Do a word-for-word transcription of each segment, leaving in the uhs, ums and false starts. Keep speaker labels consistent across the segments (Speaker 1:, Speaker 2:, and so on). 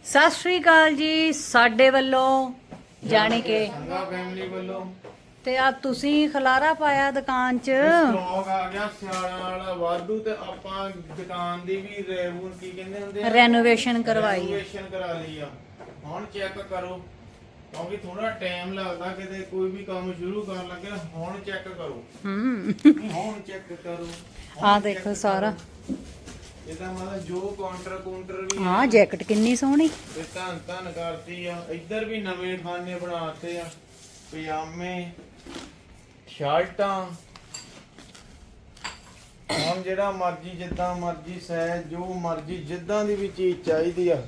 Speaker 1: ਸਤਿ ਸ਼੍ਰੀ ਅਕਾਲ ਜੀ ਸਾਡੇ ਵੱਲੋਂ ਜਾਣੇ ਕਿ
Speaker 2: ਸੰਗਾ ਫੈਮਿਲੀ ਵੱਲੋਂ
Speaker 1: ਤੇ ਆ ਤੁਸੀਂ ਖਲਾਰਾ ਪਾਇਆ ਦੁਕਾਨ 'ਚ
Speaker 2: ਸਟਾਕ ਆ ਗਿਆ ਸਿਆਲਾਂ ਵਾਲਾ ਵਾਧੂ ਤੇ ਆਪਾਂ ਦੁਕਾਨ ਦੀ ਵੀ ਰੈਵੂਨ ਕੀ ਕਹਿੰਦੇ ਹੁੰਦੇ ਆ
Speaker 1: ਰੈਨੋਵੇਸ਼ਨ ਕਰਵਾਈ ਹੈ।
Speaker 2: ਰੈਨੋਵੇਸ਼ਨ ਕਰਾ ਲਈ ਆ। ਹੁਣ ਚੈੱਕ ਕਰੋ ਕਿਉਂਕਿ ਥੋੜਾ ਟਾਈਮ ਲੱਗਦਾ ਕਿਤੇ ਕੋਈ ਵੀ ਕੰਮ ਸ਼ੁਰੂ ਕਰਨ ਲੱਗੇ। ਹੁਣ ਚੈੱਕ ਕਰੋ
Speaker 1: ਹੂੰ
Speaker 2: ਹੁਣ ਚੈੱਕ ਕਰੋ
Speaker 1: ਆ ਦੇਖੋ ਸਾਰਾ
Speaker 2: ਇਹਦਾ ਮਤਲਬ ਜੋ ਕਾਊਂਟਰ ਕਾਊਂਟਰ ਵੀ
Speaker 1: ਹਾਂ ਜੈਕਟ ਕਿੰਨੀ ਸੋਹਣੀ
Speaker 2: ਤੇ ਧੰਨ ਧੰਨ ਕਰਤੀ ਆ। ਇੱਧਰ ਵੀ ਨਵੇਂ ਖਾਨੇ ਬਣਾਤੇ ਆ, ਪਜਾਮੇ ਸ਼ਰਟਾਂ। ਹੁਣ ਜਿਹੜਾ ਮਰਜੀ ਜਿੱਦਾਂ ਮਰਜੀ ਸਾਈਜ਼ ਜੋ ਮਰਜੀ ਜਿੱਦਾਂ ਦੀ ਵੀ ਚੀਜ਼ ਚਾਹੀਦੀ ਆ।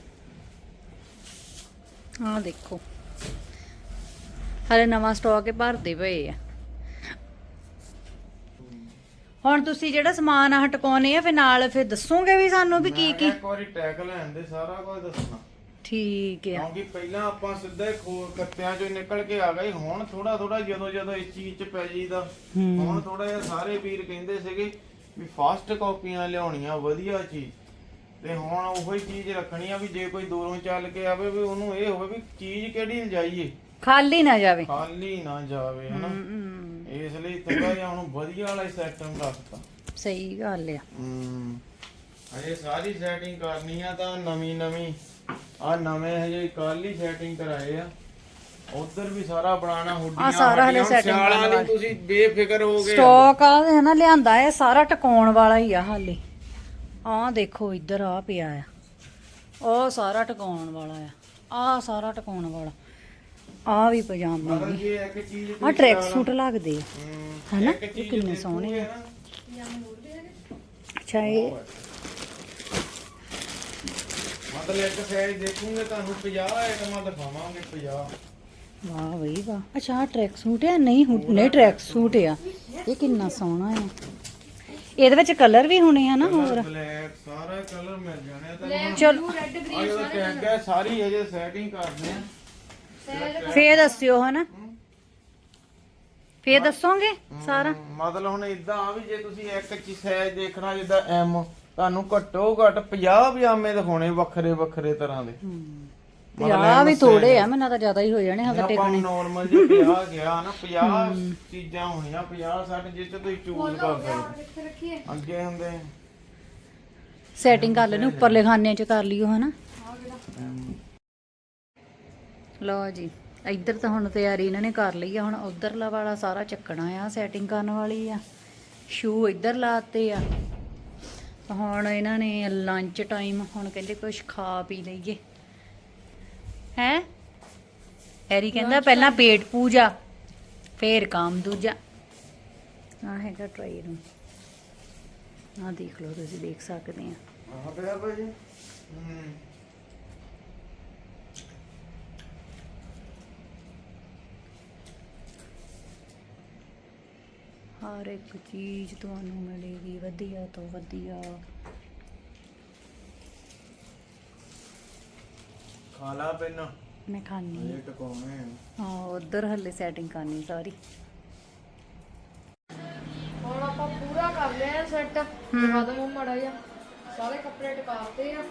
Speaker 1: ਆ ਦੇਖੋ ਹਲੇ ਨਵਾਂ ਸਟਾਕ ਹੀ ਭਰਦੇ ਪਏ ਆ। ਹੁਣ ਤੁਸੀਂ ਜਿਹੜਾ ਸਮਾਨ ਆ ਹਟਕਾਉਣੇ ਆ ਫਿਰ ਨਾਲ ਫਿਰ ਦੱਸੋਗੇ ਵੀ ਸਾਨੂੰ ਵੀ ਕੀ ਕੀ।
Speaker 2: ਇੱਕ ਵਾਰੀ ਟੈਗ ਲੈਣ ਦੇ ਸਾਰਾ ਕੁਝ ਦੱਸਣਾ
Speaker 1: ਠੀਕ ਆ
Speaker 2: ਕਿਉਂਕਿ ਪਹਿਲਾਂ ਆਪਾਂ ਸਿੱਧਾ ਹੀ ਖੋ ਕੱਤਿਆਂ ਚੋਂ ਨਿਕਲ ਕੇ ਆ ਗਏ। ਹੁਣ ਥੋੜਾ ਥੋੜਾ ਜਦੋਂ ਜਦੋਂ ਇਸ ਚੀਜ਼ 'ਚ ਪੈ ਜੀਦਾ ਹੁਣ ਥੋੜਾ ਜਿਹਾ ਸਾਰੇ ਵੀਰ ਕਹਿੰਦੇ ਸੀਗੇ ਵੀ ਫਾਸਟ ਕਾਪੀਆਂ ਲਿਆਉਣੀਆਂ ਵਧੀਆ ਚੀਜ਼ ਤੇ ਹੁਣ ਉਹੀ ਚੀਜ਼ ਰੱਖਣੀ ਆ ਵੀ ਜੇ ਕੋਈ ਦੂਰੋਂ ਚੱਲ ਕੇ ਆਵੇ ਵੀ ਉਹਨੂੰ ਇਹ ਹੋਵੇ ਵੀ ਚੀਜ਼ ਕਿਹੜੀ ਲਿਜਾਈਏ,
Speaker 1: ਖਾਲੀ ਨਾ ਜਾਵੇ।
Speaker 2: ਖਾਲੀ ਨਾ ਜਾਵੇ ਹਨਾ।
Speaker 1: ਹੂੰ
Speaker 2: ਇਸ ਲਈ ਥੋੜਾ ਜਿਹਾ ਹੁਣ ਵਧੀਆ ਵਾਲਾ ਸਿਸਟਮ ਰੱਖਤਾ।
Speaker 1: ਸਹੀ ਗੱਲ ਆ।
Speaker 2: ਹੂੰ ਅਜੇ ਸਾਰੀ ਸੈਟਿੰਗ ਕਰਨੀ ਆ ਤਾਂ ਨਵੀਂ ਨਵੀਂ ਆ ਨਵੇਂ ਹਜੇ ਕੱਲ ਹੀ ਸੈਟਿੰਗ ਕਰਾਏ ਆ। ਉਧਰ ਵੀ ਸਾਰਾ ਬਣਾਣਾ ਹੁੱਡੀਆਂ
Speaker 1: ਆ ਸਾਰਾ ਹਲੇ setting
Speaker 2: ਸਿਆਲਾਂ
Speaker 1: ਕਰਨ
Speaker 2: ਲਈ
Speaker 1: ਵਾਲਾ।
Speaker 2: ਤੁਸੀਂ ਬੇਫਿਕਰ ਹੋ ਗਏ।
Speaker 1: ਸਟਾਕ ਆ ਹੈ ਨਾ ਲਿਆਂਦਾ ਹੈ ਸਾਰਾ ਟਿਕਾਉਣ ਵਾਲਾ ਹੀ ਆ ਹਾਲੇ। ਆਹ ਦੇਖੋ ਇੱਧਰ ਆ ਪਿਆ ਆ, ਉਹ ਸਾਰਾ ਟਿਕਾਉਣ ਵਾਲਾ ਆ, ਆਹ ਸਾਰਾ ਟਿਕਾਉਣ ਵਾਲਾ, ਆਹ ਵੀ ਪਜਾਮੇ
Speaker 2: ਮਤਲਬ
Speaker 1: ਵੀ,
Speaker 2: ਜੇ ਇੱਕ ਚੀਜ਼
Speaker 1: ਆਹ ਟਰੈਕ ਸੂਟ ਲੱਗਦੇ ਆ
Speaker 2: ਹੂੰ,
Speaker 1: ਹਨਾ,
Speaker 2: ਇੱਕ
Speaker 1: ਇਹ
Speaker 2: ਚੀਜ਼
Speaker 1: ਕਿੰਨੇ ਸੋਹਣੇ ਆ।
Speaker 2: ਦੇਖੋਗੇ ਨਾ,
Speaker 1: ਅੱਛਾ ਇਹ
Speaker 2: ਮਤਲਬ ਇੱਕ ਸਾਈਜ਼ ਦੇਖੂਗੇ ਤੁਹਾਨੂੰ ਪੰਜਾਹ ਆਈਟਮਾਂ ਦਿਖਾਵਾਂਗੇ ਪੰਜਾਹ।
Speaker 1: ਵਾਹ ਬਈ ਵਾਹ। ਅੱਛਾ ਆਹ ਟਰੈਕ ਸੂਟ ਆ, ਨਹੀਂ ਹੁ- ਨਹੀਂ ਟਰੈਕ ਸੂਟ ਆ। ਇਹ ਕਿੰਨਾ ਸੋਹਣਾ ਆ। ਇਹਦੇ ਵਿੱਚ ਕਲਰ ਵੀ ਹੋਣੇ ਆ ਨਾ ਹੋਰ।
Speaker 2: ਬਲੈਕ ਸਾਰਾ ਕਲਰ ਮਿਲ ਜਾਣੇ ਆ ਤੁਹਾਨੂੰ।
Speaker 1: ਚਲੋ
Speaker 2: ਆ ਜਦੋਂ ਟੈਗ ਹੈ ਸਾਰੀ ਹਜੇ ਸੈਟਿੰਗ ਕਰਦੇ ਆ।
Speaker 1: ਫੇਰ ਦੱਸਿਓ ਹਨਾ, ਫੇਰ ਦੱਸੋਗੇ ਸਾਰਾ।
Speaker 2: ਹਮ, ਮਤਲਬ ਹੁਣ ਇਦਾਂ ਆ ਵੀ ਜੇ ਤੁਸੀਂ ਇੱਕ ਚੀਜ਼ ਸਾਈਜ਼ ਦੇਖਣਾ ਜਿੱਦਾਂ ਐਮ ਤੁਹਾਨੂੰ ਘੱਟੋ ਘੱਟ ਪੰਜਾਹ ਪਜਾਮੇ ਦਿਖਾਉਣੇ ਵੱਖਰੇ ਵੱਖਰੇ ਤਰ੍ਹਾਂ ਦੇ।
Speaker 1: ਪੰਜਾਹ ਵੀ ਥੋੜੇ ਆ, ਮੈਨੂੰ ਤਾਂ ਜ਼ਿਆਦਾ ਹੀ ਹੋ ਜਾਣੇ ਹਾਂ
Speaker 2: ਆਪਾਂ
Speaker 1: ਟੇਕਣੇ।
Speaker 2: ਨਾਰਮਲ ਜੇ ਪੰਜਾਹ ਗਿਆ ਨਾ ਪੰਜਾਹ ਚੀਜ਼ਾਂ ਹੋਣੀਆਂ ਪੰਜਾਹ ਸੱਠ ਜਿਸ ਚ ਤੁਸੀਂ ਚੂਜ਼ ਕਰ ਸਕਦੇ। ਅੱਗੇ ਹੁੰਦੇ
Speaker 1: ਸੈਟਿੰਗ ਕਰ ਲੈਣੇ ਉੱਪਰਲੇ ਖਾਨੇ 'ਚ ਕਰ ਲਿਓ ਹਨਾ। ਲਓ ਜੀ ਇੱਧਰ ਤਾਂ ਹੁਣ ਤਿਆਰੀ ਇਹਨਾਂ ਨੇ ਕਰ ਲਈ ਆ। ਹੁਣ ਉਧਰਲਾ ਵਾਲਾ ਸਾਰਾ ਚੱਕਣਾ ਆ, ਸੈਟਿੰਗ ਕਰਨ ਵਾਲੀ ਆ। ਸ਼ੂ ਇੱਧਰ ਲਾਤੇ ਆ। ਹੁਣ ਇਹਨਾਂ ਨੇ ਲੰਚ ਟਾਈਮ, ਹੁਣ ਕਹਿੰਦੇ ਕੁਝ ਖਾ ਪੀ ਲਈਏ ਹੈ। ਹੈਰੀ ਕਹਿੰਦਾ ਪਹਿਲਾਂ ਪੇਟ ਪੂਜਾ ਫੇਰ ਕੰਮ ਦੂਜਾ। ਆ ਹੈਗਾ ਟਰਾਈ ਰੂਮ, ਆ ਦੇਖ ਲਓ, ਤੁਸੀਂ ਦੇਖ ਸਕਦੇ ਆ।
Speaker 2: ਆਹ ਪਿਆ ਭਾਜੀ। ਹੂੰ
Speaker 1: ਹਰ ਇੱਕ ਚੀਜ਼ ਤੁਹਾਨੂੰ ਮਿਲੇਗੀ ਵਧੀਆ ਤੋਂ ਵਧੀਆ।
Speaker 2: ਖਾ ਲਾ ਪਹਿਲਾਂ
Speaker 1: ਮੈਂ ਖਾਣੀ
Speaker 2: ਇਹ ਟਕਾਉਣੇ ਆ।
Speaker 1: ਹਾਂ ਉਧਰ ਹੱਲੇ ਸੈਟਿੰਗ ਕਰਨੀ ਸਾਰੀ।
Speaker 3: ਹੁਣ ਆਪਾਂ ਪੂਰਾ ਕਰ ਲਿਆ ਸੈੱਟ। ਦਿਖਾ ਦੋ ਮੜਾ ਜਾ ਸਾਰੇ ਕੱਪੜੇ ਟਿਕਾਤੇ ਆ।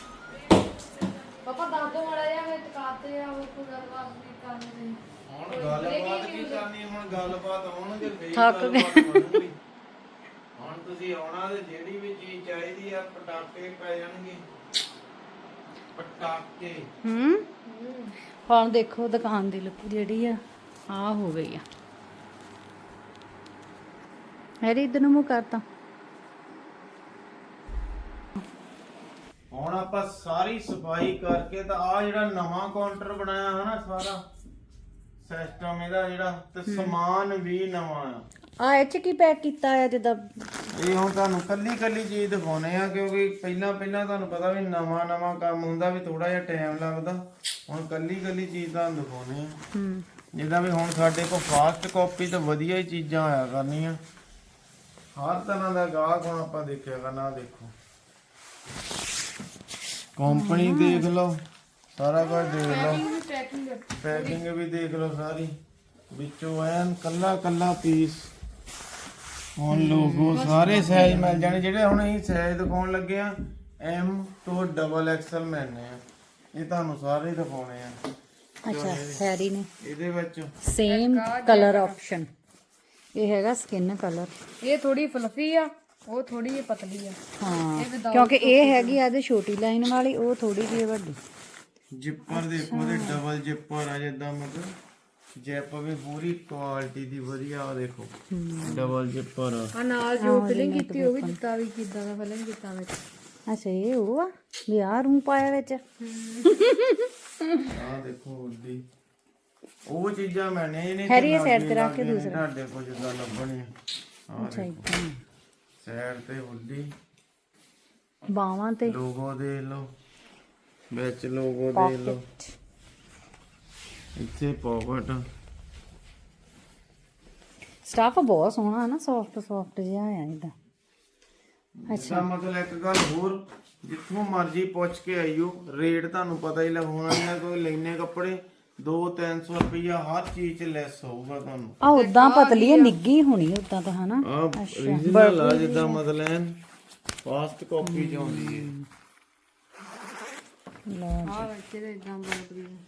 Speaker 3: ਪਾਪਾ ਦੱਸ ਦੋ ਮੜਾ ਜਾ ਮੈਂ ਟਿਕਾਤੇ ਆ। ਉਹ ਕੋਈ ਗੱਲਬਾਤ ਨਹੀਂ ਕਰਨੀ।
Speaker 2: ਹੁਣ ਗੱਲਬਾਤ ਕੀ ਕਰਨੀ, ਹੁਣ ਗੱਲਬਾਤ ਆਉਣਗੇ ਫੇਰ
Speaker 1: ਥੱਕ ਗਏ।
Speaker 2: ਗੱਲਬਾਤ ਬਣੂਗੀ। ਹੁਣ ਤੁਸੀਂ ਆਉਣਾ ਤੇ ਜਿਹੜੀ ਵੀ ਚੀਜ਼ ਚਾਹੀਦੀ ਆ ਪਟਾਕੇ ਪੈ ਜਾਣਗੇ ਪਟਾਕੇ।
Speaker 1: ਹੂੰ ਹੁਣ ਦੇਖੋ ਦੁਕਾਨ ਦੀ ਲੁੱਕ ਜਿਹੜੀ ਆ ਆ ਹੋ ਗਈ ਆ। ਹੈਰੀ ਇਧਰ ਨੂੰ ਮੂੰਹ ਕਰਤਾ।
Speaker 2: ਹੁਣ ਆਪਾਂ ਸਾਰੀ ਸਫਾਈ ਕਰਕੇ ਤਾਂ ਆ ਜਿਹੜਾ ਨਵਾਂ ਕਾਊਂਟਰ ਬਣਾਇਆ ਹੈ ਨਾ ਸਾਰਾ ਸਿਸਟਮ ਇਹਦਾ ਜਿਹੜਾ ਤੇ ਸਮਾਨ ਵੀ ਨਵਾਂ ਆ।
Speaker 1: ਆ ਇਹ ਚ ਕੀ ਪੈਕ ਕੀਤਾ ਆ ਜਿੱਦਾਂ।
Speaker 2: ਇਹ ਹੁਣ ਤੁਹਾਨੂੰ ਕੱਲੀ ਕੱਲੀ ਚੀਜ਼ ਦਿਖਾਉਣੇ ਆ ਕਿਉਂਕਿ ਪਹਿਲਾਂ ਪਹਿਲਾਂ ਤੁਹਾਨੂੰ ਪਤਾ ਵੀ ਨਵਾਂ ਨਵਾਂ ਕੰਮ ਹੁੰਦਾ ਵੀ ਥੋੜਾ ਜਿਹਾ ਟਾਈਮ ਲੱਗਦਾ। ਹੁਣ ਕੱਲੀ ਕੱਲੀ ਚੀਜ਼ ਤੁਹਾਨੂੰ ਦਿਖਾਉਣੇ ਆ।
Speaker 1: ਹੂੰ
Speaker 2: ਜਿੱਦਾਂ ਵੀ ਹੁਣ ਸਾਡੇ ਕੋਲ ਫਾਸਟ ਕਾਪੀ ਤੇ ਵਧੀਆ ਹੀ ਚੀਜ਼ਾਂ ਆਇਆ ਕਰਨੀਆਂ। ਹਰ ਤਰ੍ਹਾਂ ਦਾ ਗਾਹਕ ਹੁਣ ਆਪਾਂ ਦੇਖਿਆ ਕਰਨਾ। ਦੇਖੋ ਕੰਪਨੀ ਦੇਖ ਲਓ, ਸਾਰਾ ਕੁਝ ਦੇਖ ਲਓ, ਪੈਕਿੰਗ ਵੀ ਦੇਖ ਲਓ ਸਾਰੀ ਵਿੱਚੋਂ ਐਨ ਕੱਲਾ ਕੱਲਾ ਪੀਸ। ਹੁਣ ਲੋਗੋ ਸਾਰੇ ਸਾਈਜ਼ ਮਿਲ ਜਾਣੇ ਜਿਹੜੇ ਹੁਣ ਅਸੀਂ ਸਾਈਜ਼ ਦਿਖਾਉਣ ਲੱਗੇ ਆ। ਐਮ ਤੋਂ ਡਬਲ ਐਕਸਲ ਮਿਲਨੇ ਆ। ਇਹ ਤੁਹਾਨੂੰ ਸਾਰੇ ਦਿਖਾਉਣੇ ਆ।
Speaker 1: ਅੱਛਾ ਹੈਰੀ ਨੇ
Speaker 2: ਇਹਦੇ ਵਿੱਚ
Speaker 1: ਸੇਮ ਕਲਰ ਆਪਸ਼ਨ, ਇਹ ਹੈਗਾ ਸਕਿਨ ਕਲਰ।
Speaker 3: ਇਹ ਥੋੜੀ ਫਲਫੀ ਆ, ਉਹ ਥੋੜੀ ਜਿਹੀ ਪਤਲੀ ਆ।
Speaker 1: ਹਾਂ ਕਿਉਂਕਿ ਇਹ ਹੈਗੀ ਆ ਇਹਦੇ ਛੋਟੀ ਲਾਈਨ ਵਾਲੀ, ਉਹ ਥੋੜੀ ਜਿਹੀ ਵੱਡੀ।
Speaker 2: ਜਿੱਪਰ ਦੇਖੋ ਤੇ ਡਬਲ ਜਿੱਪਰ ਆ, ਜਿੱਦਾਂ ਮਤਲਬ ਜਿੱਪ ਵੀ ਪੂਰੀ ਕੁਆਲਿਟੀ ਦੀ ਵਧੀਆ ਆ। ਦੇਖੋ ਡਬਲ ਜਿੱਪਰ
Speaker 3: ਆ ਨਾਲ ਜੋ ਫਿਲਿੰਗ ਕੀਤੀ ਉਹ ਵੀ ਦਿੱਤਾ ਵੀ ਕਿਦਾਂ ਦਾ ਫਿਲਿੰਗ ਕੀਤਾ ਵਿੱਚ।
Speaker 1: ਅੱਛਾ ਇਹ ਉਹ ਆ ਵੀ ਆਹ ਰੂ ਪਾਇਆ ਵਿੱਚ।
Speaker 2: ਆ ਦੇਖੋ ਉੱਡੀ ਉਹ ਚੀਜ਼ਾਂ ਮੈਂ ਨਹੀਂ ਨਹੀਂ
Speaker 1: ਹੈਰੀ ਇਹ ਸਾਈਡ ਤੇ ਰੱਖ ਕੇ ਦੂਸਰਾ
Speaker 2: ਤੁਹਾਡੇ ਕੋਲ ਜਿੱਦਾਂ ਲੱਭਣੀ ਆ।
Speaker 1: ਅੱਛਾ ਇਦਾਂ
Speaker 2: ਸਾਈਡ ਤੇ ਉੱਡੀ,
Speaker 1: ਬਾਵਾਂ ਤੇ
Speaker 2: ਲੋਗੋ ਦੇ ਲਓ, ਵਿੱਚ ਲੋਗੋ ਦੇ ਲਓ, ਇੱਥੇ ਪਾਕਟ।
Speaker 1: ਸਟਾਫ ਬਹੁਤ ਸੋਹਣਾ ਹੈ ਨਾ, ਸੌਫਟ ਸੌਫਟ ਜਿਹਾ ਆ ਇਹਦਾ।
Speaker 2: ਅੱਛਾ ਮਤਲਬ ਇੱਕ ਗੱਲ ਹੋਰ, ਜਿੱਥੋਂ ਮਰਜ਼ੀ ਪੁੱਛ ਕੇ ਆਈਓ, ਰੇਟ ਤੁਹਾਨੂੰ ਪਤਾ ਹੀ ਲੱਗਣਾ ਇਹਨਾਂ ਕੋਈ ਲੈਨੇ ਕੱਪੜੇ ਦੋ ਤਿੰਨ ਸੌ ਰੁਪਇਆ ਹਰ ਚੀਜ਼ 'ਚ ਲੈਸ ਹੋਊਗਾ ਤੁਹਾਨੂੰ।
Speaker 1: ਆ ਉਦਾਂ ਪਤਲੀ ਆ, ਨਿੱਗੀ ਹੋਣੀ ਉਦਾਂ ਤਾਂ ਹਨਾ।
Speaker 2: ਆ ਰੀਜਨਲ ਆ ਜਿੱਦਾਂ ਮਤਲਬ ਫਾਸਟ ਕਾਪੀ 'ਚ ਆਉਂਦੀ ਹੈ।
Speaker 3: ਆ ਵਿੱਚ ਇਹਦੇ ਇਦਾਂ ਬਣਦੀ ਆ।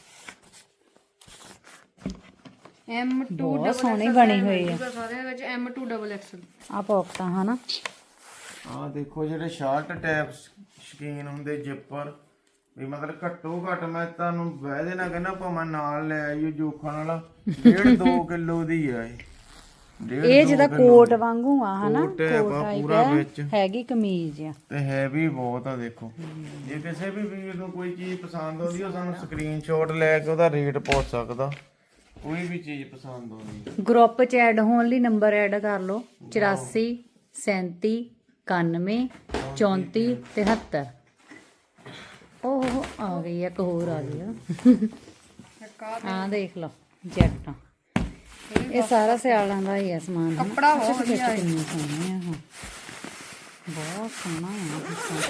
Speaker 3: ਐਮ ਟੂ
Speaker 1: ਬਹੁਤ ਸੋਹਣੀ ਬਣੀ ਹੋਈ ਆ
Speaker 3: ਸਾਰੇ ਵਿੱਚ ਐਮ ਟੂ ਡਬਲ ਐਕਸਲ।
Speaker 1: ਆ ਪੌਕਟਾਂ ਹਨਾ।
Speaker 2: ਆ ਦੇਖੋ ਜਿਹੜੇ ਸ਼ਾਰਟ ਟੈਪ ਸ਼ਕੀਨ ਹੁੰਦੇ ਜਿੱਪਰ ਵੀ ਮਤਲਬ ਘੱਟੋ ਘੱਟ ਮੈਂ ਤੁਹਾਨੂੰ ਵਹਿ ਦੇਣਾ ਕਹਿੰਦਾ ਭਾਵੇਂ ਨਾਲ ਲੈ ਆਈਓ ਜੋਖਾਂ ਵਾਲਾ ਡੇਢ ਦੋ ਕਿਲੋ ਦੀ ਆ ਇਹ। ਡੇਢ
Speaker 1: ਇਹ ਜਿਹਦਾ ਕੋਟ ਵਾਂਗੂ ਆ ਹਨਾ,
Speaker 2: ਕੋਟ ਹੈ ਪੂਰਾ ਵਿੱਚ,
Speaker 1: ਹੈਗੀ ਕਮੀਜ਼ ਆ
Speaker 2: ਤੇ ਹੈਵੀ ਬਹੁਤ ਆ। ਦੇਖੋ ਜੇ ਕਿਸੇ ਵੀ ਵੀਰ ਨੂੰ ਕੋਈ ਚੀਜ਼ ਪਸੰਦ ਆਉਂਦੀ ਉਹ ਸਾਨੂੰ ਸਕਰੀਨਸ਼ਾਟ ਲੈ ਕੇ ਉਹਦਾ ਰੇਟ ਪੁੱਛ ਸਕਦਾ। ਕੋਈ ਵੀ ਚੀਜ਼ ਪਸੰਦ ਆਉਂਦੀ
Speaker 1: ਗਰੁੱਪ ਚ ਐਡ ਹੋਣ ਲਈ ਨੰਬਰ ਐਡ ਕਰ ਲਓ ਚੁਰਾਸੀ ਸੈਂਤੀ ਇਕਾਨਵੇਂ ਚੌਂਤੀ ਤਿਹੱਤਰ। ਉਹ ਆ ਗਈ ਇੱਕ ਹੋਰ ਆ ਗਈ ਆ ਹਾਂ ਦੇਖ ਲਓ ਜੈਕਟਾਂ। ਇਹ ਸਾਰਾ ਸਿਆਲਾਂ ਦਾ ਹੀ ਆ ਸਮਾਨ।
Speaker 3: ਕੱਪੜਾ ਬਹੁਤ ਵਧੀਆ ਹੈ,
Speaker 1: ਕਿੰਨੇ ਸੋਹਣੇ ਆ। ਬਹੁਤ ਸੋਹਣਾ ਆ।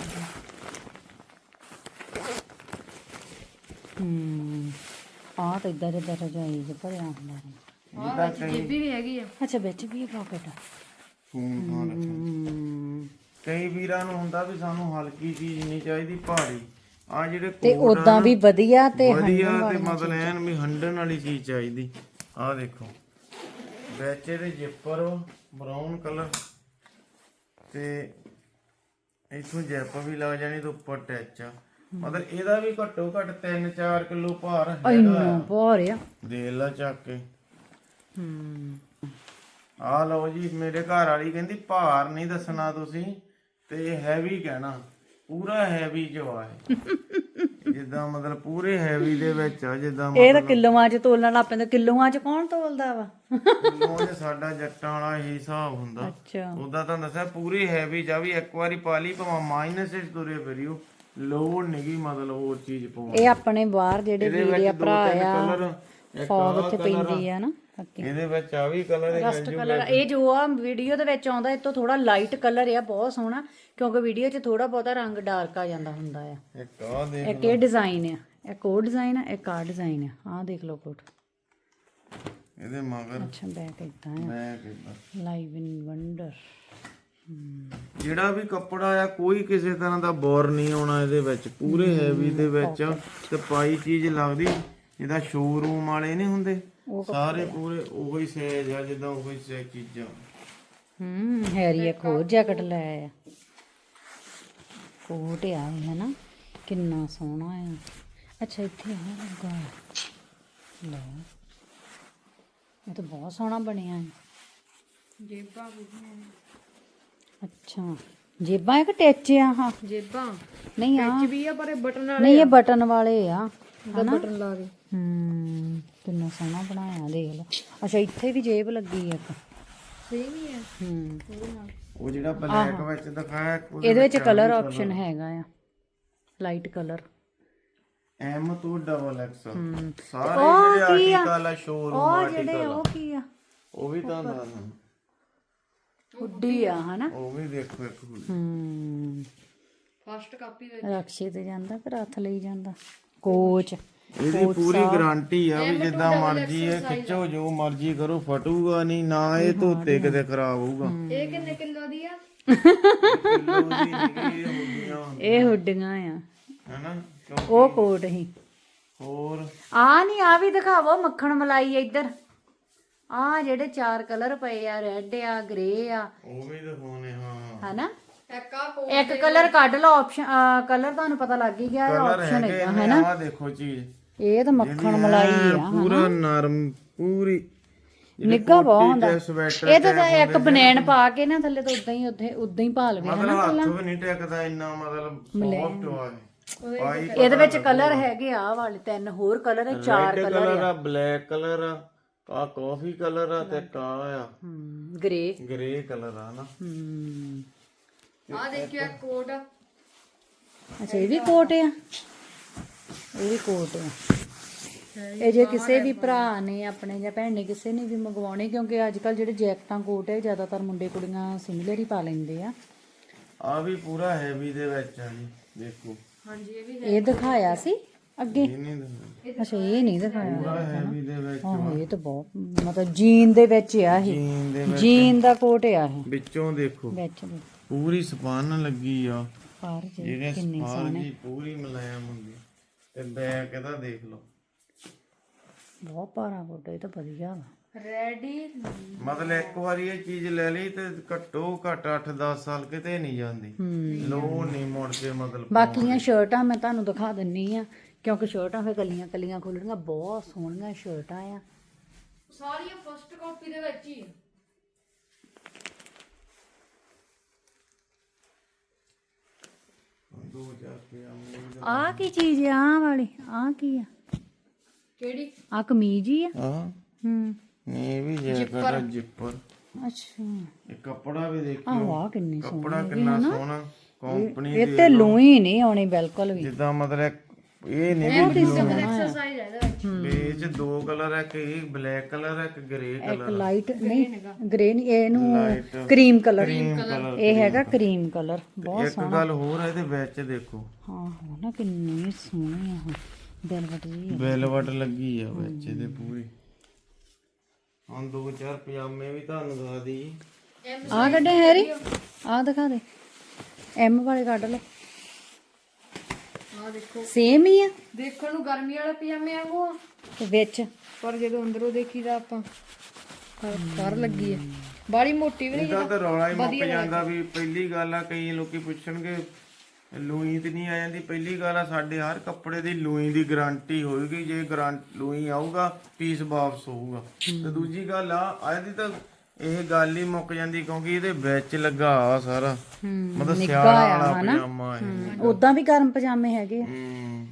Speaker 1: ਹੂੰ ਆ ਤਾਂ ਇਦਾਂ ਜਿੱਦਾਂ ਰਜਾਈ ਚ ਭਰਿਆ ਹੁੰਦਾ ਹੈ।
Speaker 3: ਆ ਵਿੱਚ ਜੇਬੀ ਵੀ ਹੈਗੀ ਆ।
Speaker 1: ਅੱਛਾ ਵਿੱਚ ਵੀ ਪਾਕਟ ਆ।
Speaker 2: ਫੋਨ ਫਾਨ ਰੱਖਣ।
Speaker 1: ਹੂੰ
Speaker 2: ਕਈ ਵੀਰਾਂ ਨੂੰ ਹੁੰਦਾ ਵੀ ਸਾਨੂੰ ਹਲਕੀ ਚੀਜ਼ ਨਹੀਂ ਚਾਹੀਦੀ, ਭਾਰੀ। ਆ ਜਿਹੜੇ
Speaker 1: ਤੇ
Speaker 2: ਕੋਟ ਆ
Speaker 1: ਉਦਾਂ ਵੀ ਵਧੀਆ ਤੇ
Speaker 2: ਵਧੀਆ ਤੇ ਮਤਲਬ ਐਨ ਵੀ ਹੰਡਣ ਵਾਲੀ ਚੀਜ਼ ਚਾਹੀਦੀ। ਆ ਦੇਖੋ ਵਿੱਚ ਇਹਦੇ ਜਿੱਪਰ ਬਰਾਊਨ ਕਲਰ ਤੇ ਇਥੋਂ ਜੈਪ ਵੀ ਲੱਗ ਜਾਣੀ ਤੇ ਉੱਪਰ ਟੈਚ ਆ। ਮਤਲਬ ਇਹਦਾ ਵੀ ਘੱਟੋ ਘੱਟ ਤਿੰਨ ਚਾਰ ਕਿਲੋ ਭਾਰ ਹੈਗਾ।
Speaker 1: ਇੰਨਾ ਭਾਰ ਆ।
Speaker 2: ਦੇ ਲਾ ਚੱਕ ਕੇ।
Speaker 1: ਹੂੰ
Speaker 2: ਆ ਲਓ ਜੀ, ਮੇਰੇ ਘਰ ਵਾਲੀ ਕਹਿੰਦੀ ਭਾਰ ਨਹੀਂ ਦੱਸਣਾ ਤੁਸੀਂ ਤੇ ਹੈਵੀ ਕਹਿਣਾ। ਪੂਰਾ ਹੈਵੀ ਜੋ ਆ ਇਹ। ਜਿੱਦਾਂ ਮਤਲਬ ਪੂਰੇ ਹੈਵੀ ਦੇ ਵਿੱਚ ਆ। ਜਿੱਦਾਂ
Speaker 1: ਇਹ ਤਾਂ ਕਿਲੋਆਂ ਚ ਤੋਲਣ ਲੱਗ ਪੈਂਦਾ। ਕਿਲੋਆਂ ਚ ਕੌਣ ਤੋਲਦਾ ਵਾ?
Speaker 2: ਕਿਲੋ ਚ ਸਾਡਾ ਜੱਟਾਂ ਵਾਲਾ ਇਹੀ ਹਿਸਾਬ ਹੁੰਦਾ।
Speaker 1: ਅੱਛਾ
Speaker 2: ਉਦਾਂ ਤਾਂ ਦੱਸਿਆ ਪੂਰੀ ਹੈਵੀ ਜਾ ਵੀ ਇੱਕ ਵਾਰੀ ਪਾ ਲਈ ਭਾਵੇਂ ਮਾਈਨਸ ਵਿੱਚ ਤੁਰੇ ਫਿਰਿਓ, ਲੋੜ ਨਹੀਂਗੀ ਮਤਲਬ ਹੋਰ ਚੀਜ਼ ਪਾਉਣ।
Speaker 1: ਇਹ ਆਪਣੇ ਬਾਹਰ ਜਿਹੜੇ ਵੀਰ ਆ ਭਰਾ ਆ
Speaker 2: ਕਲਰ
Speaker 1: ਫੌਗ ਚ ਪੈਂਦੀ ਆ ਨਾ।
Speaker 2: ਇਹਦੇ ਵਿੱਚ ਆ ਵੀ ਕਲਰ
Speaker 1: ਰਸਟ ਕਲਰ ਇਹ ਜੋ ਆ ਵੀਡੀਓ ਦੇ ਵਿੱਚ ਆਉਂਦਾ, ਇਹ ਤੋਂ ਥੋੜਾ ਲਾਈਟ ਕਲਰ ਆ, ਬਹੁਤ ਸੋਹਣਾ। ਕਿਉਂਕਿ ਵੀਡੀਓ 'ਚ ਥੋੜਾ ਬਹੁਤਾ ਰੰਗ ਡਾਰਕ ਆ ਜਾਂਦਾ ਹੁੰਦਾ ਆ।
Speaker 2: ਇੱਕ ਆ ਦੇਖ
Speaker 1: ਇੱਕ ਇਹ ਡਿਜ਼ਾਈਨ ਆ, ਇੱਕ ਉਹ ਡਿਜ਼ਾਈਨ ਆ, ਇੱਕ ਆ ਡਿਜ਼ਾਈਨ ਆ। ਆਹ ਦੇਖ ਲਓ ਕੋਟ।
Speaker 2: ਇਹਦੇ ਮਗਰ
Speaker 1: ਅੱਛਾ ਬੈਕ ਇਦਾਂ ਆ।
Speaker 2: ਮੈਂ ਕਿਦਾਂ
Speaker 1: ਲਾਈਵ ਇਨ ਵੰਡਰ।
Speaker 2: ਜਿਹੜਾ ਵੀ ਕੱਪੜਾ ਆ ਕੋਈ ਕਿਸੇ ਤਰ੍ਹਾਂ ਦਾ ਬੋਰ ਨਹੀਂ ਆਉਣਾ ਇਹਦੇ ਵਿੱਚ। ਪੂਰੇ ਹੈਵੀ ਦੇ ਵਿੱਚ ਤੇ ਪਾਈ ਚੀਜ਼ ਲੱਗਦੀ ਜਿਹਦਾ ਸ਼ੋਰੂਮ ਵਾਲੇ ਨਹੀਂ ਹੁੰਦੇ ਸਾਰੇ ਪੂਰੇ ਉਹੀ ਸਾਈਜ਼ ਆ, ਜਿੱਦਾਂ ਉਹੀ ਸਾਈਜ਼ ਚੀਜ਼ਾਂ।
Speaker 1: ਹੂੰ ਹੈਰੀ ਇੱਕ ਹੋਰ ਜੈਕਟ ਲੈ ਆ। ਕੋਟ ਆ ਇਹ ਹੈ ਨਾ, ਕਿੰਨਾ ਸੋਹਣਾ ਆ। ਅੱਛਾ ਇੱਥੇ ਆ ਲੱਗਾ ਲੈ, ਇਹ ਤਾਂ ਬਹੁਤ ਸੋਹਣਾ ਬਣਿਆ ਹੈ।
Speaker 3: ਜੇਬਾਂ ਵੀ
Speaker 1: ਅੱਛਾ ਜੇਬਾਂ ਇੱਕ ਟੈਚ ਆ। ਹਾਂ
Speaker 3: ਜੇਬਾਂ
Speaker 1: ਨਹੀਂ ਆ
Speaker 3: ਵਿੱਚ ਵੀ ਆ, ਪਰ ਇਹ ਬਟਨ ਵਾਲੇ
Speaker 1: ਨਹੀਂ ਇਹ ਬਟਨ ਵਾਲੇ ਆ ਹਨਾ।
Speaker 3: ਬਟਨ ਲਾ ਕੇ
Speaker 1: ਹੂੰ ਕਿੰਨਾ ਸੋਹਣਾ ਬਣਾਇਆ ਦੇਖ ਲਓ। ਅੱਛਾ ਇੱਥੇ ਵੀ ਜੇਬ ਲੱਗੀ ਆ ਇੱਕ।
Speaker 3: ਸੇਮ ਹੀ ਹੈ
Speaker 1: ਹੂੰ
Speaker 2: ਉਹ ਜਿਹੜਾ ਬਲੈਕ ਵਿੱਚ ਦਿਖਾਇਆ
Speaker 1: ਇਹਦੇ ਵਿੱਚ ਕਲਰ ਆਪਸ਼ਨ ਹੈਗਾ ਆ, ਲਾਈਟ ਕਲਰ।
Speaker 2: ਐਮ ਤੋਂ ਡਬਲ ਐਕਸ ਸਾਰੇ ਜਿਹੜੇ ਆਰਟੀਕਲ ਆ ਸ਼ੋਰੂਮ
Speaker 1: ਉਹ ਜਿਹੜੇ
Speaker 2: ਆਰਟੀਕਲ
Speaker 1: ਉਹ ਕੀ ਆ,
Speaker 2: ਉਹ ਵੀ ਤਾਂ ਦੱਸਦਾ।
Speaker 1: ਹੁੱਡੀ ਆ ਹਨਾ।
Speaker 2: ਉਹ ਵੀ ਦੇਖੋ ਇੱਕ ਹੁੱਡੀ।
Speaker 1: ਹੂੰ
Speaker 3: ਫਸਟ ਕਾਪੀ ਵਿੱਚ
Speaker 1: ਰਕਸ਼ੇ ਤੇ ਜਾਂਦਾ ਕਿ ਹੱਥ ਲਈ ਜਾਂਦਾ। ਕੋਚ
Speaker 2: ਇਹਦੀ ਪੂਰੀ ਗਾਰੰਟੀ ਆ ਵੀ ਜਿੱਦਾਂ ਮਰਜ਼ੀ ਹੈ ਖਿੱਚੋ, ਜੋ ਮਰਜ਼ੀ ਕਰੋ, ਫਟੂਗਾ ਨਹੀਂ ਨਾ, ਇਹ ਧੋਤੇ ਕਿਤੇ ਖਰਾਬ ਹੋਊਗਾ।
Speaker 3: ਇਹ ਕਿੰਨੇ ਕਿਲੋ ਦੀ ਆ?
Speaker 2: ਕਿਲੋ ਦੀ ਨਹੀਂ, ਇਹ ਹੁੰਦੀਆਂ
Speaker 1: ਇਹ ਹੁੱਡੀਆਂ ਆ।
Speaker 2: ਹੈਨਾ ਕਿਉਂਕਿ
Speaker 1: ਉਹ ਕੋਟ ਹੀ
Speaker 2: ਹੋਰ
Speaker 1: ਆ ਨਹੀਂ ਆ ਵੀ ਦਿਖਾਵੋ ਮੱਖਣ ਮਲਾਈ ਇੱਧਰ ਆ ਜਿਹੜੇ ਚਾਰ ਕਲਰ ਪਏ ਆ ਰੈੱਡ ਆ ਗ੍ਰੇ ਆ
Speaker 2: ਉਹ ਵੀ ਦਿਖਾਉਣੇ ਹਾਂ
Speaker 1: ਹਨਾ
Speaker 3: ਇੱਕ ਆ ਕੋਟ
Speaker 1: ਇੱਕ ਕਲਰ ਕੱਢ ਲਓ ਆਪਸ਼ਨ ਕਲਰ ਤੁਹਾਨੂੰ ਪਤਾ ਲੱਗ ਹੀ ਗਿਆ
Speaker 2: ਕਲਰ
Speaker 1: ਆਪਸ਼ਨ
Speaker 2: ਹੈਗੇ
Speaker 1: ਹੈਗਾ
Speaker 2: ਨੇ
Speaker 1: ਹੈਨਾ
Speaker 2: ਆਹ ਦੇਖੋ ਚੀਜ਼
Speaker 1: ਇਹ ਤਾਂ ਮੱਖਣ ਮਲਾਈ ਆ
Speaker 2: ਪੂਰਾ ਨਰਮ ਪੂਰੀ
Speaker 1: ਨਿੱਘਾ ਬਹੁਤ ਹੁੰਦਾ
Speaker 2: ਸਵੈਟਰ
Speaker 1: ਇਹ ਤਾਂ ਇੱਕ ਬਨੈਣ ਪਾ ਕੇ ਨਾ ਥੱਲੇ ਤਾਂ ਉਦਾਂ ਹੀ ਉੱਥੇ ਉਦਾਂ ਹੀ ਪਾ ਲਵੇ
Speaker 2: ਮਤਲਬ ਹੱਥ ਵੀ ਨਹੀਂ ਟਿਕਦਾ ਇੰਨਾ ਮਤਲਬ ਸੌਫਟ ਹੋਇਆ ਪਾਈ
Speaker 1: ਇਹਦੇ ਵਿੱਚ ਕਲਰ ਹੈਗੇ ਆ ਵਾਲੇ ਤਿੰਨ ਹੋਰ ਕਲਰ ਹੈ ਚਾਰ
Speaker 2: ਰੈੱਡ
Speaker 1: ਕਲਰ
Speaker 2: ਕਲਰ ਆ ਬਲੈਕ ਕਲਰ ਆ ਆ ਕਾਫੀ ਕਲਰ ਆ ਤੇ ਕਾ ਆ
Speaker 1: ਹਮ ਗ੍ਰੇ
Speaker 2: ਗ੍ਰੇ ਕਲਰ ਆ ਨਾ
Speaker 1: ਹਮ
Speaker 3: ਆ ਦੇਖਿਓ ਇੱਕ ਕੋਟ ਆ
Speaker 1: ਅੱਛਾ ਇਹ ਵੀ ਕੋਟ ਆ ਇਹ ਵੀ ਕੋਟ ਆ ਇਹ ਜੇ ਕਿਸੇ ਵੀ ਭਰਾ ਨੇ ਆਪਣੇ ਜਾਂ ਭੈਣ ਨੇ ਕਿਸੇ ਨੇ ਵੀ ਮੰਗਵਾਉਣੇ ਕਿਉਂਕਿ ਅੱਜ ਕੱਲ ਜਿਹੜੇ ਜੈਕਟਾਂ ਕੋਟ ਹੈ ਜ਼ਿਆਦਾਤਰ ਮੁੰਡੇ ਕੁੜੀਆਂ ਸਿਮਿਲਰ ਹੀ ਪਾ ਲੈਂਦੇ ਆ
Speaker 2: ਆ ਵੀ ਪੂਰਾ ਹੈਵੀ ਦੇ ਵਿੱਚ ਆ ਜੀ ਦੇਖੋ
Speaker 3: ਹਾਂਜੀ ਇਹ ਵੀ
Speaker 1: ਇਹ ਦਿਖਾਇਆ ਸੀ ਅੱਗੇ
Speaker 2: ਇਹ ਨਹੀਂ ਦਿਖਦਾ
Speaker 1: ਅੱਛਾ ਇਹ ਨਹੀਂ ਦਿਖਾਇਆ
Speaker 2: ਪੂਰਾ ਹੈਵੀ ਦੇ ਵਿੱਚ
Speaker 1: ਹਾਂ ਇਹ ਤਾਂ ਬਹੁਤ ਮਤਲਬ ਜੀਨ ਦੇ ਵਿੱਚ ਆ ਇਹ
Speaker 2: ਜੀਨ ਦੇ
Speaker 1: ਜੀਨ ਦਾ ਕੋਟ ਆ ਇਹ
Speaker 2: ਵਿੱਚੋਂ ਦੇਖੋ
Speaker 1: ਵਿੱਚ ਦੇ
Speaker 2: ਪੂਰੀ ਸਪਨ ਲੱਗੀ ਆ
Speaker 1: ਪਰ ਜੇ
Speaker 2: ਜਿਹੜੇ ਸਪਾਨ ਜੀ ਪੂਰੀ ਮੁਲਾਇਮ ਹੁੰਦੀ ਤੇ ਬੈਕ ਇਹਦਾ ਦੇਖ ਲਓ
Speaker 1: ਬਹੁਤ ਭਾਰਾ ਕੋਟ ਇਹ ਤਾਂ ਵਧੀਆ ਵਾ
Speaker 3: ਰੈਡੀ
Speaker 2: ਮਤਲਬ ਇੱਕ ਵਾਰੀ ਇਹ ਚੀਜ਼ ਲੈ ਲਈ ਤੇ ਘੱਟੋ ਘੱਟ ਅੱਠ ਦਸ ਸਾਲ ਕਿਤੇ ਨਹੀਂ ਜਾਂਦੀ ਲੋ ਨਹੀਂ ਮੁੜ ਕੇ ਮਤਲਬ
Speaker 1: ਬਾਕੀਆਂ ਸ਼ਰਟਾਂ ਮੈਂ ਤੁਹਾਨੂੰ ਦਿਖਾ ਦਿੰਨੀ ਆ ਕਿਉਂਕਿ ਸ਼ਰਟਾਂ ਫੇ ਕੱਲੀਆਂ ਕੱਲੀਆਂ ਖੋਲਣੀਆਂ ਬਹੁਤ ਸੋਹਣੀਆਂ ਸ਼ਰਟਾਂ ਆ
Speaker 3: ਸਾਰੀਆਂ ਫਸਟ ਕਾਪੀ ਦੇ ਵਿੱਚ ਹੀ ਆ।
Speaker 2: ਦੋ ਹਜ਼ਾਰ ਰੁਪਏ
Speaker 1: ਆ ਕੀ ਚੀਜ਼ ਆ ਆਹ ਵਾਲੀ ਆ ਕੀ ਆ
Speaker 3: ਕਿਹੜੀ
Speaker 1: ਆ ਕਮੀਜ਼ ਹੀ ਆ
Speaker 2: ਆ
Speaker 1: ਹੂੰ
Speaker 2: ਨਹੀਂ ਇਹ ਵੀ ਜੈਕਟ ਜਿੱਪਰ
Speaker 1: ਅੱਛਾ
Speaker 2: ਇਹ ਕੱਪੜਾ ਵੀ ਦੇਖਿਓ
Speaker 1: ਆਹ ਵਾਹ ਕਿੰਨੀ ਸੋਹਣੀ
Speaker 2: ਕੱਪੜਾ ਕਿੰਨਾ ਸੋਹਣਾ ਕੰਪਨੀ
Speaker 1: ਇਹ ਤੇ ਲੂਈ ਨਹੀਂ ਆਉਣੀ ਬਿਲਕੁਲ ਵੀ
Speaker 2: ਜਿੱਦਾਂ ਮਤਲਬ ਇਹ ਨਹੀਂ
Speaker 3: ਐਕਸਰਸਾਈਜ਼ ਹੈ ਇਹਦੇ ਵਿੱਚ
Speaker 2: ਬੇਜ ਦੋ ਕਲਰ ਹੈ ਇੱਕ ਬਲੈਕ ਕਲਰ ਹੈ ਇੱਕ ਗ੍ਰੇ
Speaker 1: ਇੱਕ
Speaker 2: ਕਲਰ
Speaker 1: ਲਾਈਟ ਨਹੀਂ ਗ੍ਰੇ ਨਹੀਂ ਇਹਨੂੰ ਕਰੀਮ ਕਲਰ ਇਹ ਹੈਗਾ ਕਰੀਮ ਕਲਰ ਬਹੁਤ
Speaker 2: ਇੱਕ ਗੱਲ ਹੋਰ ਹੈ ਇਹਦੇ ਵਿੱਚ ਦੇਖੋ
Speaker 1: ਹਾਂ ਹੋ ਨਾ ਕਿੰਨੀ ਸੋਹਣੀ ਆ ਵੈਲਵਟ ਜੀ
Speaker 2: ਵੈਲਵਟ ਲੱਗੀ ਆ ਵਿੱਚ ਇਹਦੇ ਪੂਰੀ ਹੁਣ ਦੋ ਚਾਰ ਪਜਾਮੇ ਵੀ ਤੁਹਾਨੂੰ ਦਿਖਾ ਦੀ
Speaker 1: ਆ ਕੱਢੇ ਹੈਰੀ ਆ ਦਿਖਾ ਦੇ ਐਮ ਵਾਲੇ ਕੱਢ ਲਓ
Speaker 3: ਆ ਦੇਖੋ
Speaker 1: ਸੇਮ ਹੀ ਆ
Speaker 3: ਦੇਖਣ ਨੂੰ ਗਰਮੀ ਵਾਲੇ ਪਜਾਮੇ ਵਾਂਗੂ ਆ
Speaker 1: ਤੇ ਵਿੱਚ
Speaker 3: ਪਰ ਜਦੋਂ ਅੰਦਰੋਂ ਦੇਖੀਦਾ ਆਪਾਂ ਕਰ ਲੱਗੀ ਹੈ ਬਾੜੀ ਮੋਟੀ ਵੀ ਨਹੀਂ
Speaker 2: ਇਹਦਾ ਤਾਂ ਰੌਲਾ ਹੀ ਮੁੱਕ ਜਾਂਦਾ ਵੀ ਪਹਿਲੀ ਗੱਲ ਆ ਕਈ ਲੋਕੀ ਪੁੱਛਣਗੇ ਲੂਈ ਤੇ ਨਹੀਂ ਆ ਜਾਂਦੀ ਪਹਿਲੀ ਗੱਲ ਆ ਸਾਡੇ ਹਰ ਕੱਪੜੇ ਦੀ ਲੂਈ ਦੀ ਗਾਰੰਟੀ ਹੋਏਗੀ ਜੇ ਗਾਰੰਟੀ ਲੂਈ ਆਊਗਾ ਪੀਸ ਵਾਪਸ ਹੋਊਗਾ ਤੇ ਦੂਜੀ ਗੱਲ ਆ ਇਹਦੀ ਤਾਂ ਇਹ ਗੱਲ ਹੀ ਮੁੱਕ ਜਾਂਦੀ ਕਿਉਂਕਿ ਇਹਦੇ ਵਿੱਚ ਲੱਗਾ ਆ ਸਾਰਾ ਮਤਲਬ ਸਿਆਲ ਵਾਲਾ ਪਜਾਮਾ ਹੈ
Speaker 1: ਉਦਾਂ ਵੀ ਗਰਮ ਪਜਾਮੇ ਹੈਗੇ ਆ
Speaker 2: ਹੂੰ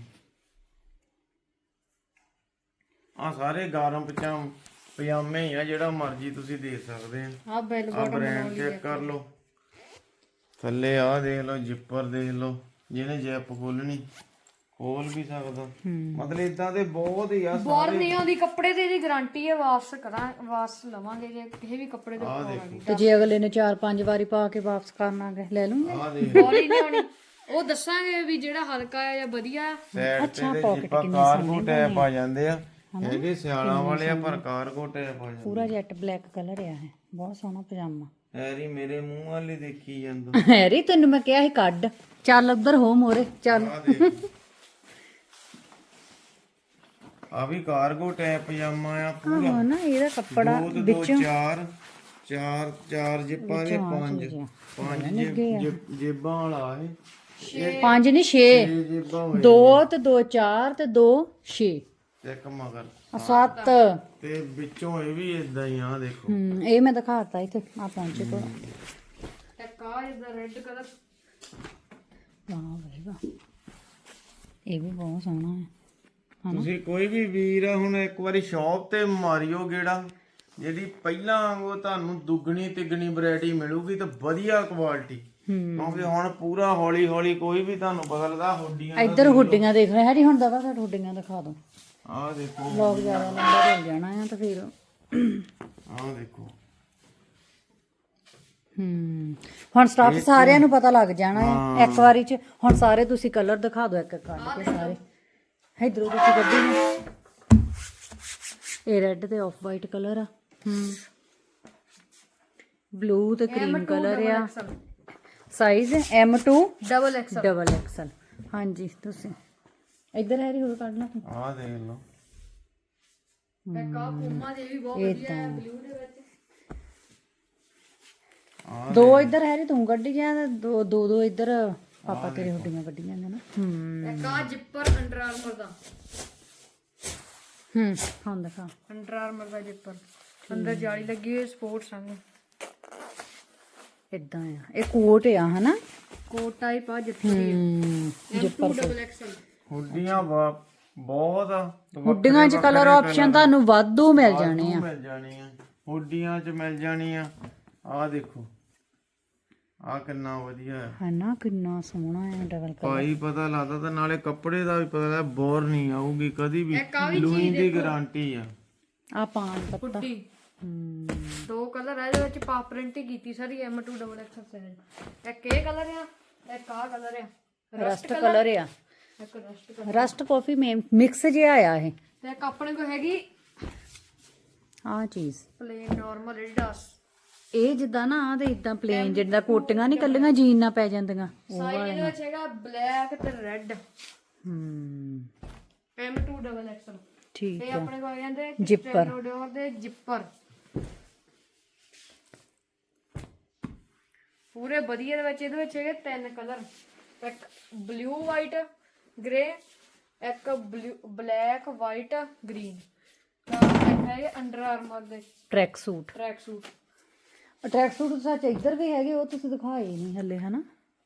Speaker 2: ਆ ਸਾਰੇ ਗਰਮ ਪਜਾਮ ਪਜਾਮੇ ਹੀ ਆ ਜਿਹੜਾ ਮਰਜ਼ੀ ਤੁਸੀਂ ਦੇਖ ਸਕਦੇ ਆ
Speaker 3: ਆ ਬੈਲ
Speaker 2: ਆ ਬ੍ਰਾਂਡ ਚੈੱਕ ਕਰ ਲਓ ਥੱਲੇ ਆ ਦੇਖ ਲਓ ਜਿੱਪਰ ਦੇਖ ਲਓ ਜਿਹਨੇ ਜੈਪ ਖੋਲਣੀ ਖੋਲ ਵੀ ਸਕਦਾ ਮਤਲਬ ਇਦਾਂ ਦੇ ਬਹੁਤ ਹੀ ਆ
Speaker 3: ਬਾਹਰ ਨਹੀਂ ਆਉਂਦੀ ਕੱਪੜੇ ਤੇ ਇਹਦੀ ਗਾਰੰਟੀ ਹੈ ਵਾਪਸ ਕਰਾਂ ਵਾਪਸ ਲਵਾਂਗੇ ਜੇ ਕਿਸੇ ਵੀ ਕੱਪੜੇ ਦੇ
Speaker 2: ਆ ਦੇਖੋ
Speaker 1: ਤੇ ਜੇ ਅਗਲੇ ਨੇ ਚਾਰ ਪੰਜ ਵਾਰੀ ਪਾ ਕੇ ਵਾਪਸ ਕਰਨਾਗੇ ਲੈ ਲੂੰਗੇ
Speaker 2: ਆ ਦੇਖ
Speaker 3: ਬਾਹਰ ਹੀ ਨਹੀਂ ਆਉਣੀ ਉਹ ਦੱਸਾਂਗੇ ਵੀ ਜਿਹੜਾ ਹਲਕਾ ਹੈ ਜਾਂ ਵਧੀਆ
Speaker 2: ਸਾਈਡ ਤੇ ਦੇ ਜਿੱਪਾ ਕਾਰਗੋ ਟੈਪ ਆ ਜਾਂਦੇ ਆ ਇਹਦੇ ਸਿਆਲਾਂ ਵਾਲੇ ਆ ਪਰ ਕਾਰਗੋ ਟੈਪ ਆ ਜਾਂਦੇ
Speaker 1: ਪੂਰਾ ਜੈਟ ਬਲੈਕ ਕਲਰ ਆ ਇਹ ਬਹੁਤ ਸੋਹਣਾ ਪਜਾਮਾ
Speaker 2: ਹੈਰੀ ਮੇਰੇ ਮੂੰਹ ਵਾਲੇ ਦੇਖੀ ਜਾਂਦਾ
Speaker 1: ਹੈਰੀ ਤੈਨੂੰ ਮੈਂ ਕਿਹਾ ਸੀ ਕੱਢ ਚੱਲ ਉੱਧਰ ਹੋ ਮੋਰੇ ਚੱਲ
Speaker 2: ਆ ਦੇਖ ਆ ਵੀ ਕਾਰਗੋ ਟੈਪ ਪਜਾਮਾ ਆ ਪੂਰਾ
Speaker 1: ਹਾਂ ਨਾ ਇਹਦਾ ਕੱਪੜਾ
Speaker 2: ਦੋ ਤੇ ਦੋ ਚਾਰ ਚਾਰ ਚਾਰ ਜਿੱਪਾਂ ਦੇ ਪੰਜ ਪੰਜ ਜੇਬ- ਜੇਬ- ਜੇਬਾਂ ਵਾਲਾ ਇਹ
Speaker 1: ਪੰਜ ਨਹੀਂ ਛੇ
Speaker 2: ਛੇ ਜੇਬਾਂ ਹੋਏ
Speaker 1: ਦੋ ਤੇ ਦੋ ਚਾਰ ਤੇ ਦੋ ਛੇ
Speaker 2: ਤੇ ਇੱਕ ਮਗਰ
Speaker 1: ਸੱਤ
Speaker 2: ਤੇ ਵਿੱਚੋਂ ਇਹ ਵੀ ਇਦਾਂ ਹੀ ਆ ਦੇਖੋ
Speaker 1: ਹੂੰ ਇਹ ਮੈਂ ਦਿਖਾਤਾ ਇੱਥੇ ਆ ਪਹੁੰਚੇ ਕੋਲ
Speaker 3: ਇੱਕ ਆ ਇਹਦਾ ਰੈੱਡ ਕਲਰ
Speaker 1: ਵਾਹ ਬਈ ਵਾਹ ਇਹ ਵੀ ਬਹੁਤ ਸੋਹਣਾ ਹੈ
Speaker 2: ਤੁਸੀਂ ਕੋਈ ਵੀ ਵੀਰ ਆ ਹੁਣ ਇੱਕ ਵਾਰੀ ਸ਼ਾਪ ਤੇ ਮਾਰਿਓ ਗੇੜਾ ਜਿਹੜੀ ਪਹਿਲਾਂ ਵਾਂਗੂ ਤੁਹਾਨੂੰ ਦੁੱਗਣੀ ਤਿੱਗਣੀ ਵੈਰਾਈਟੀ ਮਿਲੂਗੀ ਤੇ ਵਧੀਆ ਕੁਆਲਿਟੀ ਕਿਉਂਕਿ ਹੁਣ ਪੂਰਾ ਹੌਲੀ ਹੌਲੀ ਕੋਈ ਵੀ ਤੁਹਾਨੂੰ ਪਤਾ ਲੱਗਾ ਹੁੱਡੀਆਂ
Speaker 1: ਇੱਧਰ ਹੁੱਡੀਆਂ ਦੇਖ ਰਹੇ ਹੈਰੀ ਹੁਣ ਦਵਾ ਘੱਟ ਹੁੱਡੀਆਂ ਦਿਖਾ ਦੋ
Speaker 2: ਆਹ ਦੇਖੋ
Speaker 1: ਲੋਕ ਜ਼ਿਆਦਾ ਲੰਬਾ ਹੋ ਜਾਣਾ ਆ ਤਾਂ ਫਿਰ
Speaker 2: ਆਹ ਦੇਖੋ
Speaker 1: ਹੂੰ ਹੁਣ ਸਟਾਫ ਸਾਰਿਆਂ ਨੂੰ ਪਤਾ ਲੱਗ ਜਾਣਾ ਹੈ ਇੱਕ ਵਾਰੀ ਚ ਹੁਣ ਸਾਰੇ ਤੁਸੀਂ ਕਲਰ ਦਿਖਾ ਦਿਓ ਇੱਕ ਇੱਕ ਕੱਢ ਕੇ ਸਾਰੇ ਇਧਰੋਂ ਤੁਸੀਂ ਕੱਢੀ ਨਾ ਇਹ ਰੈੱਡ ਤੇ ਆਫ ਵਾਈਟ ਕਲਰ ਆ ਹੂੰ ਬਲੂ ਤੇ ਕਰੀਮ ਕਲਰ ਆ size M to
Speaker 3: double X
Speaker 1: double XL ਹਾਂਜੀ ਤੁਸੀਂ ਇੱਧਰ ਹੈਰੀ ਹੋਰ ਕੱਢ ਲਾ ਤੂੰ
Speaker 2: ਆਹ ਦੇਖ ਲਓ
Speaker 3: ਇੱਕ ਆ ਪੂਮਾ ਦੇ ਵੀ ਬਹੁਤ ਵਧੀਆ ਹੈ ਬਲੂ ਦੇ ਵਿੱਚ।
Speaker 2: ਆਹ
Speaker 1: ਦੋ ਇੱਧਰ ਹੈਰੀ ਤੂੰ ਕੱਢੀ ਜਾ ਤੇ ਦੋ ਦੋ ਦੋ ਇੱਧਰ ਪਾਪਾ ਤੇਰੇ ਹੁੱਡੀਆਂ ਕੱਢੀ ਜਾਂਦੇ ਨਾ ਹੂੰ
Speaker 3: ਇੱਕ ਆ ਜਿੱਪਰ ਅੰਡਰ ਆਰਮਰ ਦਾ
Speaker 1: ਹੂੰ ਹਾਂ ਦਿਖਾ
Speaker 3: ਅੰਡਰ ਆਰਮਰ ਦਾ ਜਿੱਪਰ ਅੰਦਰ ਜਾਲੀ ਲੱਗੀ ਹੋਈ ਸਪੋਰਟਸ ਸੰਗ
Speaker 1: ਇਦਾਂ ਆ ਇਹ ਕੋਟ ਆ ਹਨਾ
Speaker 3: ਕੋਟ ਟਾਈਪ ਆ ਜਿੱਪਰ ਦੀ
Speaker 1: ਹੂੰ
Speaker 3: ਐਮ ਟੂ ਡਬਲ ਐਕਸਲ।
Speaker 2: ਹੁੱਡੀਆਂ ਵਾ- ਬਹੁਤ ਆ
Speaker 1: ਹੁੱਡੀਆਂ 'ਚ ਕਲਰ ਆਪਸ਼ਨ ਤੁਹਾਨੂੰ ਵਾਧੂ ਮਿਲ ਜਾਣੇ ਆ
Speaker 2: ਮਿਲ ਜਾਣੀਆਂ ਹੁੱਡੀਆਂ 'ਚ ਮਿਲ ਜਾਣੀਆਂ। ਆਹ ਦੇਖੋ ਆਹ ਕਿੰਨਾ ਵਧੀਆ ਹੈ
Speaker 1: ਹਨਾ ਕਿੰਨਾ ਸੋਹਣਾ ਆ ਡਬਲ ਕਲਰ
Speaker 2: ਭਾਈ ਪਤਾ ਲੱਗਦਾ ਤੇ ਨਾਲੇ ਕੱਪੜੇ ਦਾ ਵੀ ਪਤਾ ਲੱਗਦਾ ਬੋਰ ਨਹੀਂ ਆਊਗੀ ਕਦੀ ਵੀ
Speaker 3: ਇੱਕ ਆ ਵੀ
Speaker 2: ਲੂਈ ਦੀ ਗਾਰੰਟੀ ਆ।
Speaker 1: ਆ ਪਾਣ ਪੱਤਾ
Speaker 3: ਹੁੱਡੀ
Speaker 1: ਹੂੰ
Speaker 3: ਦੋ ਕਲਰ ਆ ਇਹਦੇ ਵਿੱਚ ਪਾ ਪ੍ਰਿੰਟ ਹੀ ਕੀਤੀ ਸਾਰੀ M to double XL size. ਇੱਕ ਇਹ ਕਲਰ ਆ ਇੱਕ ਆ ਕਲਰ ਆ
Speaker 1: ਰਸਟ ਕਲਰ ਆ
Speaker 3: ਇੱਕ ਰਸਟ ਕਲਰ
Speaker 1: ਰਸਟ ਕਾਫੀ ਮਿਕਸ ਜਿਹਾ ਆ ਇਹ
Speaker 3: ਤੇ ਇੱਕ ਆਪਣੇ ਕੋਲ ਹੈਗੀ
Speaker 1: ਆ ਚੀਜ਼
Speaker 3: ਪਲੇਨ ਨਾਰਮਲ ਐਡੀਡਾਸ।
Speaker 1: ਇਹ ਜਿੱਦਾਂ ਨਾ ਆ ਤੇ ਇਦਾਂ ਪਲੇਨ ਜਿੱਦਾਂ ਕੋਟੀਆਂ ਨਹੀਂ ਕੱਲੀਆਂ ਜੀਨ ਨਾ ਪੈ ਜਾਂਦੀਆਂ
Speaker 3: ਸਾਈਜ਼ ਇਹਦੇ ਵਿੱਚ ਹੈਗਾ ਬਲੈਕ ਤੇ ਰੈੱਡ
Speaker 1: ਹੂੰ
Speaker 3: ਐਮ ਟੂ ਡਬਲ ਐਕਸਲ।
Speaker 1: ਠੀਕ
Speaker 3: ਇਹ
Speaker 1: ਆ
Speaker 3: ਆਪਣੇ ਕੋਲ ਕਹਿੰਦੇ
Speaker 1: Zipper।
Speaker 3: ਡੋਰ ਦੇ ਜਿੱਪਰ ਪੂਰੇ ਵਧੀਆ ਦੇ ਵਿੱਚ ਇਹਦੇ ਵਿੱਚ ਹੈਗੇ ਤਿੰਨ ਕਲਰ ਇੱਕ ਬਲੂ ਵਾਈਟ ਗ੍ਰੇ ਇੱਕ ਬਲੂ ਬਲੈਕ ਵਾਈਟ ਗ੍ਰੀਨ ਇੱਕ ਹੈਗੇ ਅੰਡਰ ਆਰਮਰ ਦੇ
Speaker 1: tracksuit
Speaker 3: tracksuit.
Speaker 1: Tracksuit ਸੱਚ ਇੱਧਰ ਵੀ ਹੈਗੇ ਉਹ ਤੁਸੀਂ ਦਿਖਾਏ ਨਹੀਂ ਹੱਲੇ ਹਨਾ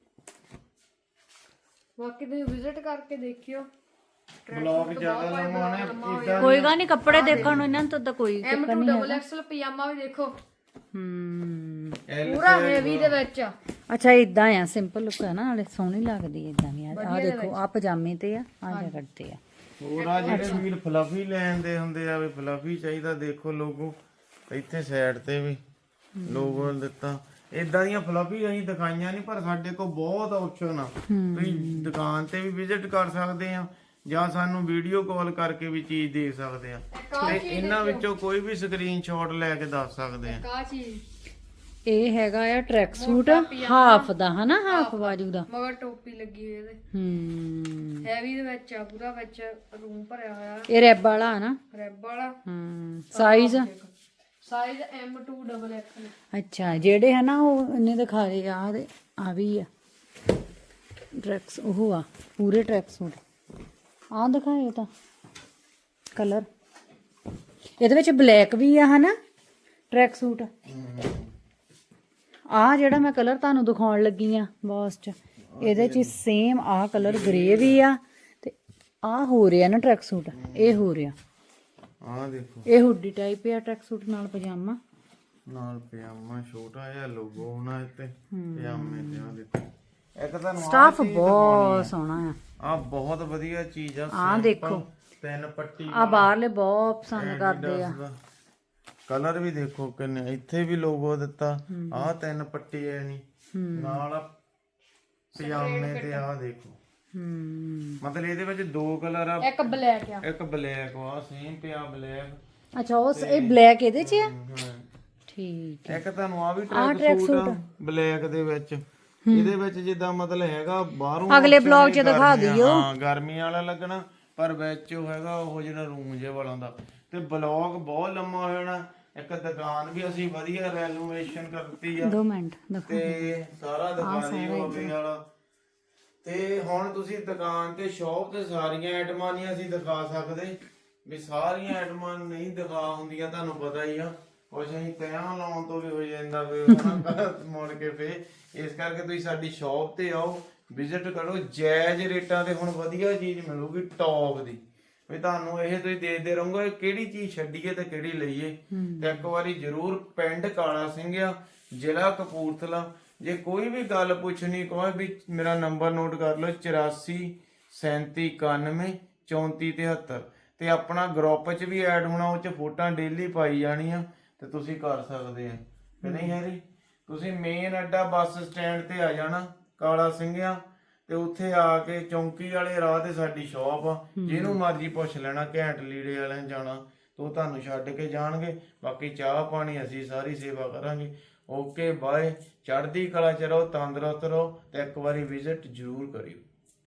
Speaker 3: ਬਾਕੀ ਤੁਸੀਂ ਵਿਜ਼ਿਟ ਕਰਕੇ ਦੇਖਿਓ।
Speaker 2: ਬਲੌਗ ਜ਼ਿਆਦਾ ਲੰਮਾਉਣੇ ਇਦਾਂ
Speaker 1: ਕੋਈ ਗੱਲ ਨਹੀਂ ਕੱਪੜੇ ਦੇਖਣ ਨੂੰ ਇਹਨਾਂ ਤੋਂ ਤਾਂ ਕੋਈ
Speaker 3: ਐਮ ਟੂ ਡਬਲ ਐਕਸਲ ਪਜਾਮਾ ਵੀ ਦੇਖੋ
Speaker 1: ਹੂੰ
Speaker 3: ਪੂਰਾ ਹੈਵੀ ਦੇ ਵਿੱਚ ਆ।
Speaker 1: ਅੱਛਾ ਇਦਾਂ ਆ ਸਿੰਪਲ ਲੁੱਕ ਹੈ ਨਾ ਨਾਲੇ ਸੋਹਣੀ ਲੱਗਦੀ ਇਦਾਂ ਦੀ ਆ ਦੇਖੋ ਆ ਪਜਾਮੇ ਤੇ ਆ ਆ ਜੈਕਟ ਤੇ ਆ
Speaker 2: ਹੋਰ ਆ ਜਿਹੜੇ ਵੀਰ ਫਲਫੀ ਲੈਣ ਦੇ ਹੁੰਦੇ ਆ ਵੀ ਫਲਫੀ ਚਾਹੀਦਾ ਦੇਖੋ ਲੋਗੋ ਇੱਥੇ ਸਾਈਡ ਤੇ ਵੀ ਲੋਗੋ ਦਿੱਤਾ। ਇਦਾਂ ਦੀਆਂ ਫਲਫੀ ਅਸੀਂ ਦਿਖਾਈਆਂ ਨਹੀਂ ਪਰ ਸਾਡੇ ਕੋਲ ਬਹੁਤ ਆਪਸ਼ਨ ਆ ਤੁਸੀਂ ਦੁਕਾਨ ਤੇ ਵੀ ਵਿਜ਼ਿਟ ਕਰ ਸਕਦੇ ਆ ਜਾਂ ਸਾਨੂੰ ਵੀਡੀਓ ਕਾਲ ਕਰਕੇ ਵੀ ਚੀਜ਼ ਦੇਖ ਸਕਦੇ ਆ ਤੇ ਇਹਨਾਂ ਵਿੱਚੋਂ ਕੋਈ ਵੀ ਸਕਰੀਨਸ਼ਾਟ ਲੈ ਕੇ ਦੱਸ ਸਕਦੇ ਆ।
Speaker 3: ਕਾ ਚੀਜ਼
Speaker 1: ਇਹ ਹੈਗਾ ਆ ਟਰੈਕ ਸੂਟ ਹਾਫ ਦਾ ਹਨਾ ਹਾਫ ਬਾਜੂ ਦਾ
Speaker 3: ਮਗਰ ਟੋਪੀ ਲੱਗੀ ਹੋਈ ਇਹਦੇ
Speaker 1: ਹੂੰ
Speaker 3: ਹੈਵੀ ਦੇ ਵਿੱਚ ਆ ਪੂਰਾ ਵਿੱਚ ਰੂਮ ਭਰਿਆ ਹੋਇਆ
Speaker 1: ਇਹ ਰੈਬ ਵਾਲਾ ਹਨਾ
Speaker 3: ਰੈਬ ਵਾਲਾ
Speaker 1: ਹੂੰ size
Speaker 3: size M to double XL.
Speaker 1: ਅੱਛਾ ਜਿਹੜੇ ਹਨਾ ਉਹ ਇਹਨੇ ਦਿਖਾ ਰਹੇ ਆ ਦੇ ਆ ਵੀ ਆ ਟਰੈਕਸ ਉਹ ਆ ਪੂਰੇ ਟਰੈਕ ਸੂਟ ਆ ਦਿਖਾਏ ਤਾਂ ਕਲਰ ਇਹਦੇ ਵਿੱਚ ਬਲੈਕ ਵੀ ਆ ਹਨਾ ਟਰੈਕ ਸੂਟ ਆ ਜਿਹੜਾ ਮੈਂ ਕਲਰ ਤੁਹਾਨੂੰ ਦਿਖਾਉਣ ਲੱਗੀ ਆ ਬੌਸ ਚ ਇਹਦੇ ਚ ਸੇਮ ਆ ਕਲਰ ਗ੍ਰੇ ਵੀ ਆ ਤੇ ਆ ਹੋ ਰਿਹਾ ਨਾ ਟਰੈਕ ਸੂਟ ਇਹ ਹੋ ਰਿਹਾ
Speaker 2: ਆਹ ਦੇਖੋ
Speaker 1: ਇਹ ਹੁੱਡੀ ਟਾਈਪ ਆ ਟਰੈਕ ਸੂਟ ਨਾਲ ਪਜਾਮਾ
Speaker 2: ਨਾਲ ਪਜਾਮਾ ਛੋਟਾ ਜਿਹਾ ਲੋਗੋ ਹੋਣਾ ਇੱਥੇ ਪਜਾਮੇ ਤੇ ਆ ਦੇਖੋ ਇੱਕ ਤੁਹਾਨੂੰ
Speaker 1: ਸਟਾਫ ਬਹੁਤ ਸੋਹਣਾ ਆ
Speaker 2: ਆ ਬਹੁਤ ਵਧੀਆ ਚੀਜ਼ ਆ
Speaker 1: ਆ ਦੇਖੋ
Speaker 2: ਤਿੰਨ ਪੱਟੀ
Speaker 1: ਆ ਬਾਹਰਲੇ ਬਹੁਤ ਪਸੰਦ ਕਰਦੇ ਆ
Speaker 2: ਕਲਰ ਵੀ ਦੇਖੋ ਕਿੰਨੇ ਇੱਥੇ ਵੀ ਲੋਗੋ ਦਿੱਤਾ ਆ ਤਿੰਨ ਪੱਟੀ ਐ ਨਹੀਂ ਨਾਲ ਪਜਾਮੇ ਤੇ ਆ ਦੇਖੋ
Speaker 1: ਹੂੰ
Speaker 2: ਮਤਲਬ ਇਹਦੇ ਵਿੱਚ ਦੋ ਕਲਰ ਆ
Speaker 3: ਇੱਕ ਬਲੈਕ ਆ
Speaker 2: ਇੱਕ ਬਲੈਕ ਆ ਸੇਮ ਪਿਆ ਬਲੈਕ
Speaker 1: ਅੱਛਾ ਉਹ ਇਹ ਬਲੈਕ ਇਹਦੇ ਚ ਆ ਠੀਕ
Speaker 2: ਇੱਕ ਤੁਹਾਨੂੰ ਆ ਵੀ ਟਰੈਕ ਸੂਟ ਬਲੈਕ ਦੇ ਵਿੱਚ ਇਹਦੇ ਵਿੱਚ ਜਿੱਦਾਂ ਮਤਲਬ ਹੈਗਾ ਬਾਹਰੋਂ
Speaker 1: ਅਗਲੇ ਬਲੌਗ 'ਚ ਦਿਖਾ ਦਿਓ
Speaker 2: ਹਾਂ ਗਰਮੀ ਵਾਲਾ ਲੱਗਣਾ ਪਰ ਵਿੱਚ ਉਹ ਹੈਗਾ ਉਹ ਜਿਹੜਾ ਰੂਮ ਜੇ ਵਾਲਾ ਹੁੰਦਾ ਤੇ ਬਲੌਗ ਬਹੁਤ ਲੰਮਾ ਹੋ ਜਾਣਾ। ਇੱਕ ਦੁਕਾਨ ਵੀ ਅਸੀਂ ਵਧੀਆ ਰੈਨੋਵੇਸ਼ਨ ਕਰਤੀ ਆ
Speaker 1: ਦੋ ਮਿੰਟ ਦੇਖੋ
Speaker 2: ਤੇ ਸਾਰਾ ਦੁਕਾਨੀ ਹੋਵੇ ਵਾਲਾ ਤੇ ਹੁਣ ਤੁਸੀਂ ਦੁਕਾਨ ਤੇ ਸ਼ੌਪ ਤੇ ਸਾਰੀਆਂ ਆਈਟਮਾਂ ਨਹੀਂ ਅਸੀਂ ਦਿਖਾ ਸਕਦੇ ਵੀ ਸਾਰੀਆਂ ਆਈਟਮਾਂ ਨਹੀਂ ਦਿਖਾ ਹੁੰਦੀਆਂ ਤੁਹਾਨੂੰ ਪਤਾ ਹੀ ਆ ਕੁਛ ਅਸੀਂ ਤੈਆਂ ਲਾਉਣ ਤੋਂ ਵੀ ਹੋ ਜਾਂਦਾ ਵੀ ਹਨਾ ਮੁੜ ਕੇ ਫੇ ਇਸ ਕਰਕੇ ਤੁਸੀਂ ਸਾਡੀ ਸ਼ੌਪ ਤੇ ਆਓ ਵਿਜ਼ਿਟ ਕਰੋ ਜਾਇਜ਼ ਰੇਟਾਂ ਤੇ ਹੁਣ ਵਧੀਆ ਚੀਜ਼ ਮਿਲੂਗੀ ਟੌਪ ਦੀ ਵੀ ਤੁਹਾਨੂੰ ਇਹ ਤੁਸੀਂ ਦੇਖਦੇ ਰਹੋਗੇ ਕਿਹੜੀ ਚੀਜ਼ ਛੱਡੀਏ ਤੇ ਕਿਹੜੀ ਲਈਏ ਤੇ ਇੱਕ ਵਾਰੀ ਜ਼ਰੂਰ ਪਿੰਡ ਕਾਲਾ ਸਿੰਘ ਆ ਜ਼ਿਲ੍ਹਾ ਕਪੂਰਥਲਾ ਜੇ ਕੋਈ ਵੀ ਗੱਲ ਪੁੱਛਣੀ ਕੋਈ ਵੀ ਮੇਰਾ ਨੰਬਰ ਨੋਟ ਕਰ ਲਓ ਚੁਰਾਸੀ ਸੈਂਤੀ ਇਕਾਨਵੇਂ ਚੌਂਤੀ ਤਿਹੱਤਰ ਤੇ ਆਪਣਾ ਗਰੁੱਪ 'ਚ ਵੀ ਐਡ ਹੋਣਾ ਉਹ 'ਚ ਫੋਟੋਆਂ ਡੇਲੀ ਪਾਈ ਜਾਣੀਆਂ ਤੇ ਤੁਸੀਂ ਕਰ ਸਕਦੇ ਆ ਕਿ ਨਹੀਂ ਹੈਰੀ ਤੁਸੀਂ ਮੇਨ ਅੱਡਾ ਬੱਸ ਸਟੈਂਡ ਤੇ ਆ ਜਾਣਾ ਕਾਲਾ ਸਿੰਘਿਆ ਤੇ ਉੱਥੇ ਆ ਕੇ ਚੌਂਕੀ ਵਾਲੇ ਰਾਹ ਤੇ ਸਾਡੀ ਸ਼ੌਪ ਆ ਜਿਹਨੂੰ ਮਰਜ਼ੀ ਪੁੱਛ ਲੈਣਾ ਘੈਂਟ ਲੀੜੇ ਵਾਲਿਆਂ ਜਾਣਾ ਤੇ ਉਹ ਤੁਹਾਨੂੰ ਛੱਡ ਕੇ ਜਾਣਗੇ ਬਾਕੀ ਚਾਹ ਪਾਣੀ ਅਸੀਂ ਸਾਰੀ ਸੇਵਾ ਕਰਾਂਗੇ। ਓਕੇ ਬਾਏ ਚੜ੍ਹਦੀ ਕਲਾ ਚ ਰਹੋ ਤੰਦਰੁਸਤ ਰਹੋ ਤੇ ਇੱਕ ਵਾਰੀ ਵਿਜ਼ਿਟ ਜ਼ਰੂਰ ਕਰਿਓ।